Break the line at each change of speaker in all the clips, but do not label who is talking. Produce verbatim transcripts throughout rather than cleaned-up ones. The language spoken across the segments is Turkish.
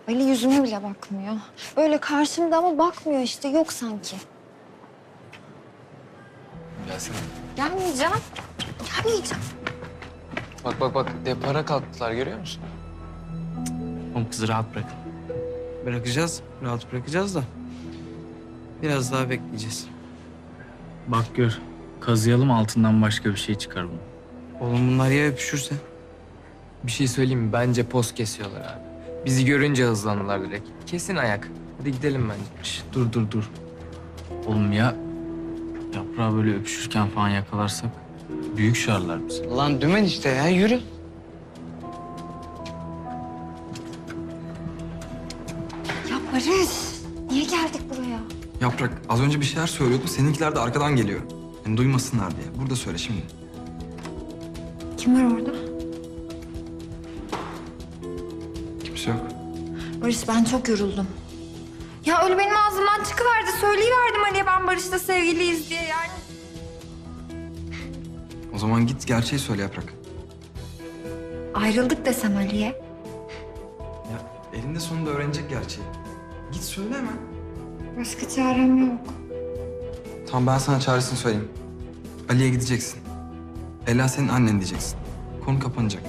Ali yüzüme bile bakmıyor. Böyle karşımda ama bakmıyor işte, yok sanki.
Gelsene.
Gelmeyeceğim. Gelmeyeceğim.
Bak bak bak depara kalktılar görüyor musun?
Oğlum kızı rahat bırakın. Bırakacağız, rahat bırakacağız da biraz daha bekleyeceğiz.
Bak gör. Kazıyalım, altından başka bir şey çıkar bunu.
Oğlum bunlar ya öpüşürse?
Bir şey söyleyeyim mi? Bence poz kesiyorlar abi. Bizi görünce hızlandılar direkt. Kesin ayak. Hadi gidelim bence.
Şş, dur dur dur. Oğlum ya yaprağı böyle öpüşürken falan yakalarsak büyük şarlar bizi.
Lan dümen işte ya, yürü.
Ya Barış, niye geldik buraya?
Yaprak, az önce bir şeyler söylüyordu. Seninkiler de arkadan geliyor. Yani duymasınlar diye. Burada söyle şimdi.
Kim var orada?
Kimse yok.
Barış, ben çok yoruldum. Ya öyle benim ağzımdan çıkıverdi. Söyleyiverdim Ali'ye ben Barış'la sevgiliyiz diye yani.
O zaman git gerçeği söyle Yaprak.
Ayrıldık desem Ali'ye.
Ya elinde sonunda öğrenecek gerçeği. Git söyle hemen.
Başka çarem yok.
Tamam, ben sana çaresini söyleyeyim. Ali'ye gideceksin. Ela senin annen diyeceksin. Konu kapanacak.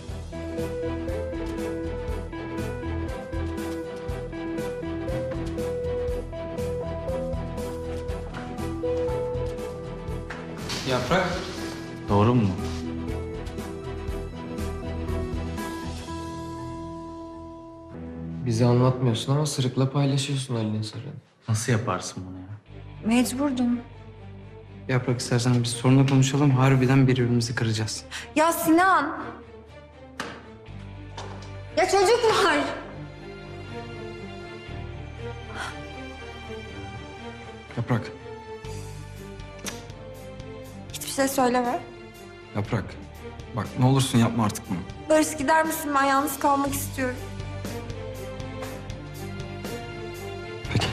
Yaprak.
Doğru mu?
Bize anlatmıyorsun ama sırıkla paylaşıyorsun Ali'nin sırrını.
Nasıl yaparsın bunu ya?
Mecburdum.
Yaprak, istersen biz sorunla konuşalım. Harbiden birbirimizi kıracağız.
Ya Sinan. Ya çocuk var.
Yaprak,
Hiçbir şey söyleme.
Yaprak. Bak ne olursun yapma artık bunu.
Barış, gider misin? Ben yalnız kalmak istiyorum.
Peki.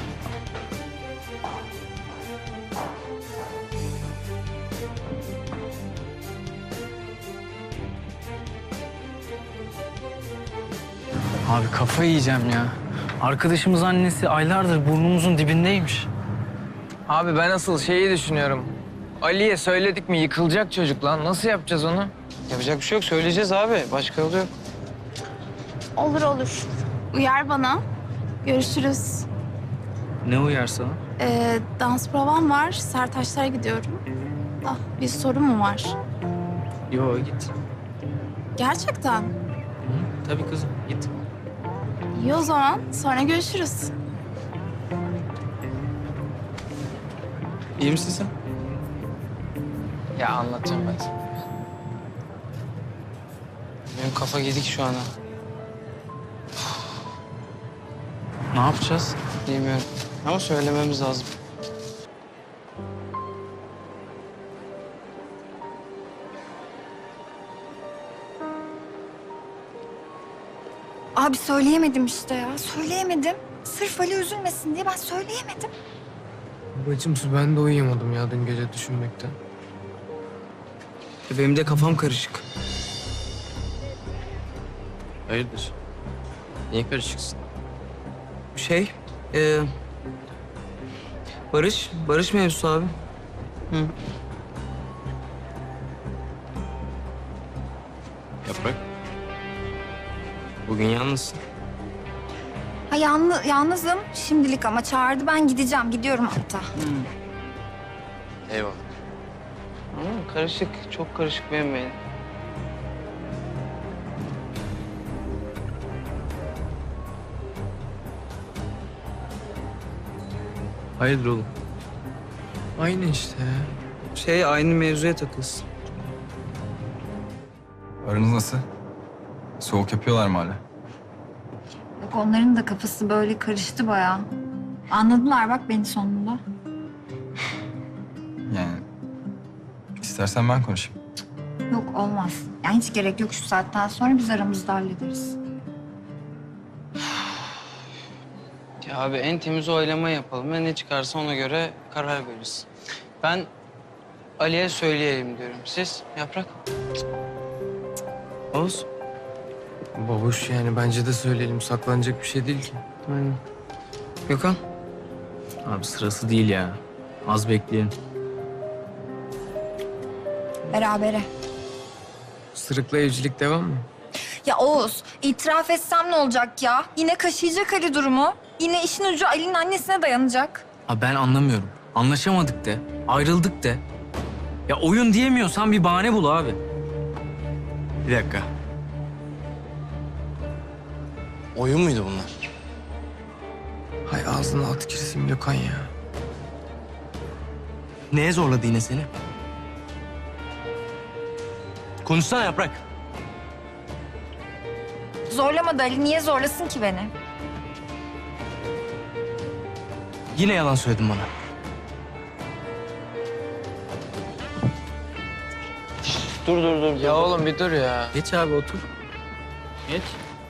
Abi kafayı yiyeceğim ya. Arkadaşımız annesi aylardır burnumuzun dibindeymiş.
Abi ben asıl şeyi düşünüyorum. Ali'ye söyledik mi yıkılacak çocuk lan. Nasıl yapacağız onu?
Yapacak bir şey yok. Söyleyeceğiz abi. Başka yolu yok.
Olur olur. Uyar bana. Görüşürüz.
Ne uyar sana?
Ee, dans provam var. Sertaçlara gidiyorum. Ah, bir sorun mu var?
Yo git.
Gerçekten.
Hı, tabii kızım git.
İyi o zaman. Sonra görüşürüz.
İyi misin sen?
Ya anlatacağım ben sana.
Benim kafa gidik şu ana.
Ne yapacağız?
Bilmiyorum. Ama söylememiz lazım.
Abi söyleyemedim işte ya. Söyleyemedim. Sırf Ali üzülmesin diye ben söyleyemedim.
Bacım ben de uyuyamadım ya dün gece düşünmekten.
E, Benim de kafam karışık.
Hayırdır? Niye karışıksın?
Şey, e, Barış, Barış mevzusu abi. Hı.
Yaprak. Bugün yalnızsın.
Ha yalnız, yalnızım şimdilik ama çağırdı, ben gideceğim. Gidiyorum hatta.
Eyvallah.
Ama karışık, çok karışık benim beynim.
Hayırdır oğlum?
Aynı işte ya.
Şey, aynı mevzuya takılsın.
Aranız nasıl? Soğuk yapıyorlar mı hala?
Yok, onların da kafası böyle karıştı bayağı. Anladılar bak beni sonunda.
Yani istersen ben konuşayım.
Yok, olmaz. Yani hiç gerek yok, şu saatten sonra biz aramızda hallederiz.
Ya abi en temiz oylama yapalım ve ne çıkarsa ona göre karar veririz. Ben Ali'ye söyleyelim diyorum. Siz Yaprak? Oğuz?
Babuş yani bence de söyleyelim. Saklanacak bir şey değil ki.
Aynen. Gökhan?
Abi sırası değil ya. Az bekleyin.
Berabere.
Sırıkla evcilik devam mı?
Ya Oğuz, itiraf etsem ne olacak ya? Yine kaşıyacak Ali durumu. Yine işin ucu Ali'nin annesine dayanacak.
Ha ben anlamıyorum. Anlaşamadık de. Ayrıldık de. Ya oyun diyemiyorsan bir bahane bul abi. Bir dakika.
Oyun muydu bunlar?
Hay ağzına at girsin Gökhan ya.
Neye zorladı yine seni? Konuşsana Yaprak.
Zorlamadı Ali. Niye zorlasın ki beni?
Yine yalan söyledin bana.
Dur dur dur.
Ya oğlum bir dur ya.
Geç abi otur. Geç.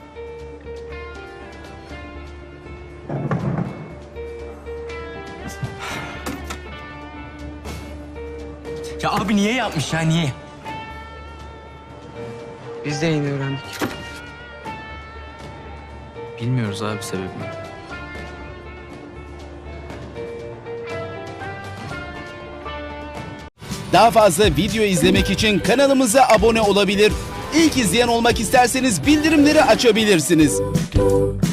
Ya abi niye yapmış ya niye?
Biz de yeni öğrendik.
Bilmiyoruz abi sebebini.
Daha fazla video izlemek için kanalımıza abone olabilir. İlk izleyen olmak isterseniz bildirimleri açabilirsiniz.